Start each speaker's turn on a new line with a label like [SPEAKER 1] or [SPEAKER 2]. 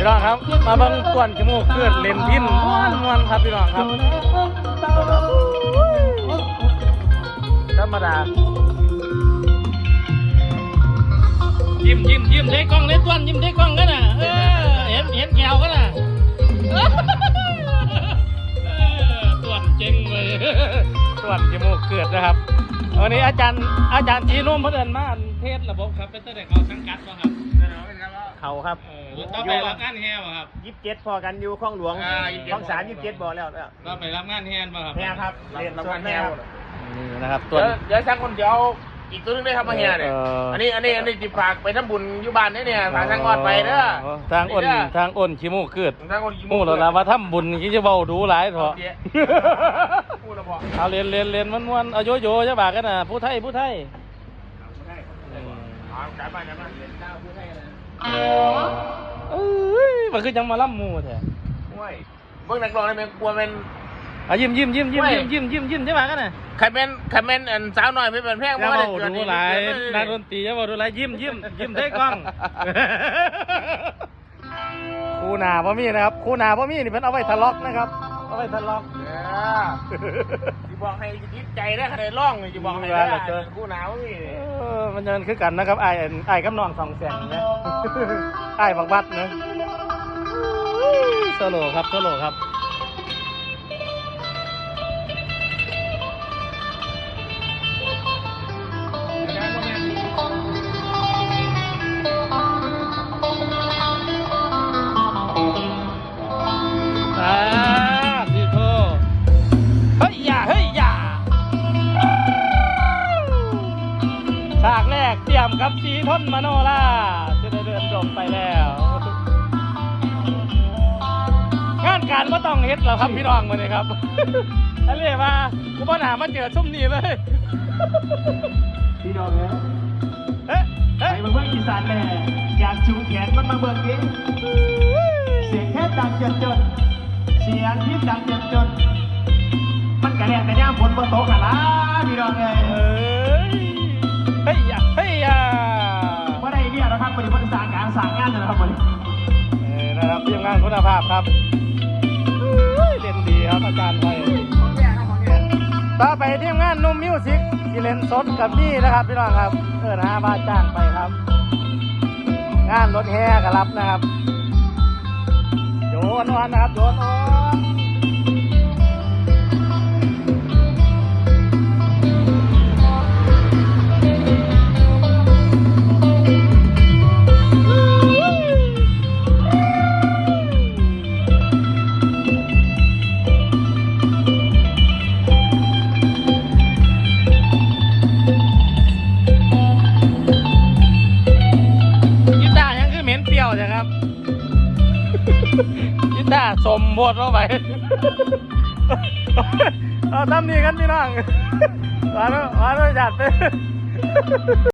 [SPEAKER 1] น้องครับมาเบิ่งต้วนจมูกเกิดเลนพินม้วนครับพี่น้องครับธรรมดายิ้มได้กล้องได้ต้วนยิ้มได้กล้องกันน่ะเห็นแก้วกันน่ะต้วนเจ๋งเลยต้วนจมูกเกิดนะครับวันนี้อาจารย์จีนุ่มเพิ่นเอิ้นมาเทศระบบครับเป็นตั้งแต่เขาสังกัดบ่ครับ
[SPEAKER 2] เขาครับ
[SPEAKER 1] ต้องไปรับงานแห่บ่ครับ
[SPEAKER 2] 27พอกันอยู่คลองหลวงคลอง3 27บอกแล้ว
[SPEAKER 1] ก็ไปรับงานแห่บ่ครับ
[SPEAKER 2] แห่ครับเรียนรับงานแห่
[SPEAKER 1] นี่นะครับตัว
[SPEAKER 3] เดี๋ยวช่างคนเดียวอีกตัวนึงได้ทำมาแห่เนี่ยอันนี้จิฝากไปทำบุญอยู่บ้านเนี่ยฝากทางกอดไปเด้อ
[SPEAKER 1] ทางอ้นขี้มูกเกิดมูแล้วล่ะว่าทำบุญคิดจะเบาดูหลายเถอะเอาเรียนม้วนเอาโยจะบากกันน่ะผู้ไทยมันคือยังมาล่ำมูแท้
[SPEAKER 3] เมื่อนักร้องนี่มันกลัวเป็น
[SPEAKER 1] ยิ้มใช่ไหมกันน่ะ
[SPEAKER 3] ใครเป็นสาวหน่อยไม่เป็นแพง
[SPEAKER 1] ว่าดูหลายนักดนตรีจะบอกดูหลายยิ้มได้กล้องคู่หนาพ่อมี่นะครับคู่หนาพ่อมี่นี่เป็นเอาไว้ทะเลาะนะครับเอาไว้ทะเลาะ
[SPEAKER 3] จะบอกให้ยึดใจได้ขนาดร้องจะบอกให้ได้คู่หนาพ่อมี่
[SPEAKER 1] มันจะคือกันนะครับไอ้กับน้องสองแสงนะไอ้บักบัดนะโซโล่ครับดีโทเฮ้ยอย่าฉากแรกเตรียมกับสีทนมโนราจะได้เดินจบไปแล้วงานการไม่ต้องเฮ็ดหรอกครับพี่น้องมาเลยครับอันนี้มากูปัญหามาเจอชุ่มนี้เลย
[SPEAKER 2] พี่น้องเนี่ยไปเบิ่งอีสานแม่อยากชูแขนมันมาเบิ่งดิเสียงแค่ดังจนเสียงพิษดังจนมันกระแดกแต่ย่ามฝนบนโต๊ะกันละพี่น้องเ
[SPEAKER 1] ฮ้ยอย่า
[SPEAKER 2] ว่าได้เนี่ยนะครับบริษัทสั่งงานนะครับวันนี้
[SPEAKER 1] นะครับทีมงานคุณภาพครับเล่นดีครับอาจารย์ไทยต่อไปทีมงานนุ่มมิวสิกที่เล่นสดกับนี่นะครับพี่น้องครับบาทจ้างไปครับงานรถแห่ก็รับนะครับโยนนะครับโยนยินดาสมบทเข้าไปเอาทำนี่กันพี่น้องมาด้วยจัด